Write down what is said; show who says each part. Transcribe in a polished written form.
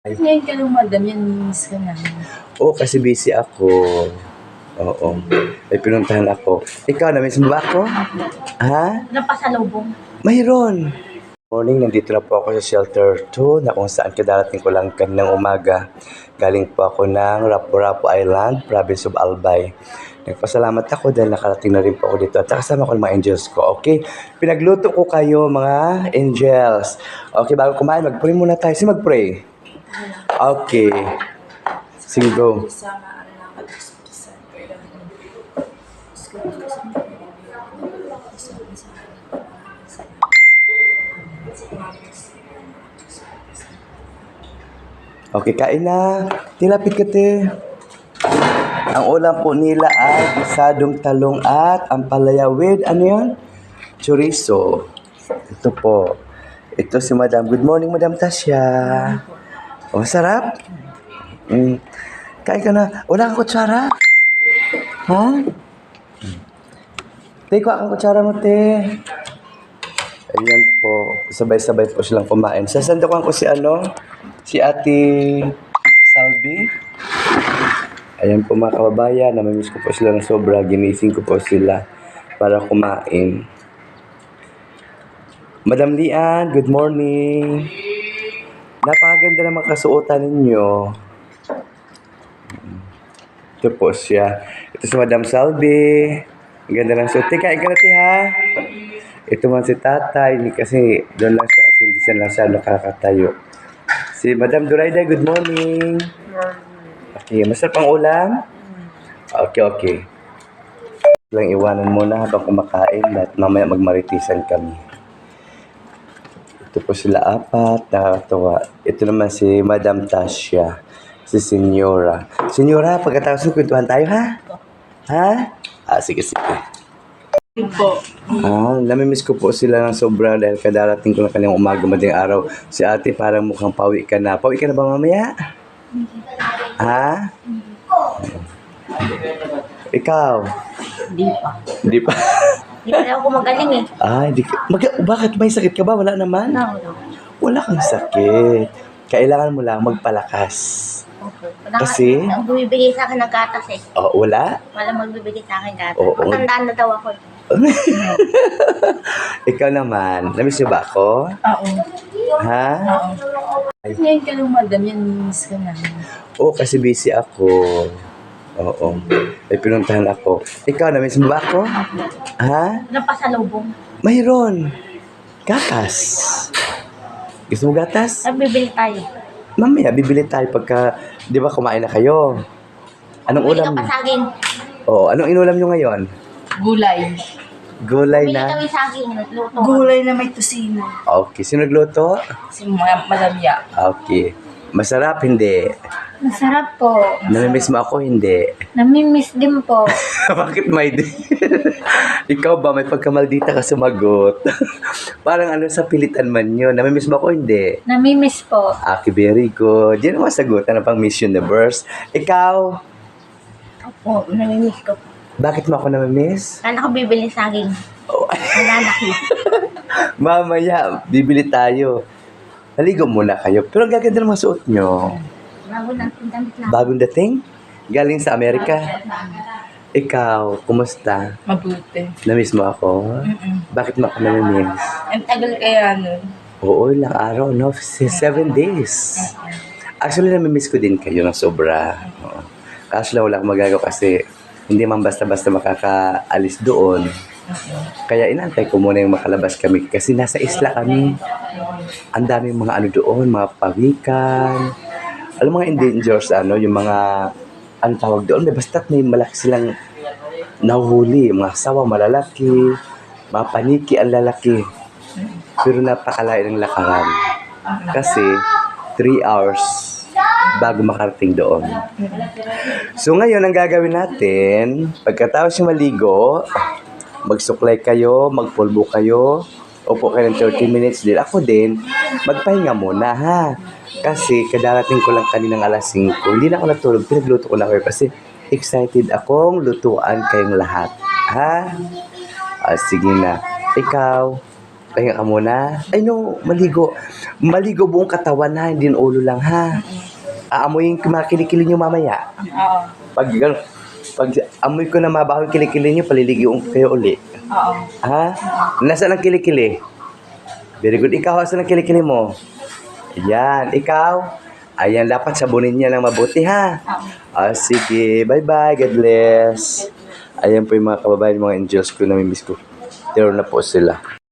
Speaker 1: Ngayon ka lang, madam, yan, miss ka namin.
Speaker 2: Oo, kasi busy ako. Oo. May pinuntahan ako. Ikaw, na-miss mo ba ako? Ha?
Speaker 1: Napasalubong.
Speaker 2: Mayroon. Morning, nandito na po ako sa shelter 2 na kung saan kadarating ko lang kaninang umaga. Galing po ako ng Rapu-Rapu Island, province of Albay. Nagpasalamat ako dahil nakarating na rin po ako dito at kasama ko ng mga angels ko. Okay? Pinagluto ko kayo mga angels. Okay, bago kumain, mag-pray muna tayo. Sige, mag-pray. Okay. Sige, go. Okay, kain na. Tilapit ka, te. Ang ulam po nila ay gisadong talong at ampalaya with, ano yan? Chorizo. Ito po. Ito si Madam. Good morning, Madam Tasya. Oh, sarap? Kain ka na. Wala kang kutsara? Ha? Te, kuha kang kutsara mo, te. Ayan po. Sabay-sabay po silang kumain. Sasandukan ko si si Ate Salvi. Ayan po mga kababayan. Namimiss ko po sila ng sobra. Ginising ko po sila para kumain. Madam Lian, good morning. Napakaganda ng mga kasuotan ninyo. Ito po siya. Ito si Madam Salvi. Ang ganda ng suot. Kain ka na, ha? Ito man si tatay. Kasi doon lang siya kasi hindi siya lang siya nakakatayo. Si Madam Durayda, good morning. Okay, masarap ang ulam? Okay. Lang iwanan muna habang kumakain at mamaya magmaritisan kami. Ito po sila apat, nakakatawa. Ito naman si Madam Tasya, si Senyora. Senyora, pagkatapos ng kwentuhan tayo, ha? Ha? Sige.
Speaker 1: Po.
Speaker 2: Namimiss ko po sila ng sobra dahil kadarating ko na kanyang umaga madaling araw. Si ate parang mukhang pawi ka na. Pawi ka na ba mamaya? Ha? Ikaw? Hindi pa.
Speaker 1: Hindi pa ako magaling eh.
Speaker 2: Hindi ka. Bakit? May sakit ka ba? Wala naman?
Speaker 1: No.
Speaker 2: Wala kang sakit. Kailangan mo lang magpalakas.
Speaker 1: Okay.
Speaker 2: Kasi?
Speaker 1: Ang bumibigay sa akin ng gatas eh.
Speaker 2: Wala?
Speaker 1: Wala magbibigay sa akin gatas.
Speaker 2: Oo.
Speaker 1: Matandaan na daw ako eh.
Speaker 2: Ikaw naman. Namiss niyo ba ako?
Speaker 1: Oo.
Speaker 2: Ha?
Speaker 1: Ngayon ka lang, madam, yan, miss ka namin.
Speaker 2: Oo, kasi busy ako. Oo. May pinuntahan ako. Ikaw, namiss mo ba ako? Ha?
Speaker 1: Napasalubong.
Speaker 2: Mayroon. Gatas. Gusto mo gatas?
Speaker 1: Bibili tayo.
Speaker 2: Mamaya, bibili tayo pagka, di ba kumain na kayo? Anong
Speaker 1: Bibili
Speaker 2: ulam?
Speaker 1: ka pa sa akin.
Speaker 2: Oo, anong inulam nyo ngayon?
Speaker 1: Gulay.
Speaker 2: Gulay
Speaker 1: Bibili
Speaker 2: na?
Speaker 1: kami sa akin. Luto.
Speaker 3: Gulay na may tusino.
Speaker 2: Okay, sino nagluto?
Speaker 1: Si Madam Ya.
Speaker 2: Okay. Masarap, hindi.
Speaker 3: Masarap po.
Speaker 2: Namimiss mo ako, hindi.
Speaker 3: Namimiss din po.
Speaker 2: Bakit may di? Ikaw ba, may pagkamaldita ka sumagot? Parang sa pilitan man yun. Namimiss mo ako, hindi.
Speaker 3: Namimiss po.
Speaker 2: Okay, very good. Yan ang masagot. Ano pang Miss Universe? Ikaw,
Speaker 1: Opo, namimiss ko.
Speaker 2: bakit mo ako namimiss?
Speaker 1: Kala ko bibili sa akin.
Speaker 2: Oh,
Speaker 1: Nalanak na.
Speaker 2: mamaya, bibili tayo. Naligo muna kayo. Pero ang gaganda ng mga suot nyo.
Speaker 1: Bago natin damit na.
Speaker 2: Bagong dating? Galing sa Amerika. Ikaw, kumusta?
Speaker 1: Mabuti.
Speaker 2: Namiss mo ako? Bakit mo ako namimiss?
Speaker 1: Ang tagal kaya nun.
Speaker 2: Oo, ilang araw, no? 7 days. Actually, namimiss ko din kayo ng sobra. Oo. Kaso lang wala akong magagawa kasi hindi man basta-basta makakaalis doon. Kaya inantay ko muna yung makalabas kami kasi nasa isla kami. Ang daming mga doon, mga pawikan. Alam mga endangers, yung mga, tawag doon, basta't may malaki silang nahuhuli. Mga sawa, malalaki, mga paniki ang lalaki. Pero napakalayo ng lakaran. Kasi 3 hours bago makarating doon. So ngayon, ang gagawin natin, pagkatapos yung maligo, magsuklay kayo, magpulbo kayo, upo kayo ng 30 minutes din. Ako din, magpahinga muna ha. Kasi kadarating ko lang kaninang alas 5. Hindi na ako natulog, pinagluto ko na kayo kasi excited akong lutuan kayong lahat. Ha? Sige na. Ikaw, Pahinga ka muna. Ay no, maligo. Maligo buong katawan ha, hindi yung ulo lang ha. Aamuyin ko mga kilikili nyo mamaya.
Speaker 1: Oo.
Speaker 2: Pag amoy ko na mabaho yung kilikili nyo, paliligoon ko kayo uli.
Speaker 1: Oo.
Speaker 2: Ha? Nasaan ang kilikili? Very good. Ikaw, asan ang kilikili mo? Ayan, ikaw? Ayan, dapat sabunin niya ng mabuti ha. Sige, bye-bye. God bless. Ayan po yung mga kababayan, mga angels ko, namimiss ko. Pero na po sila.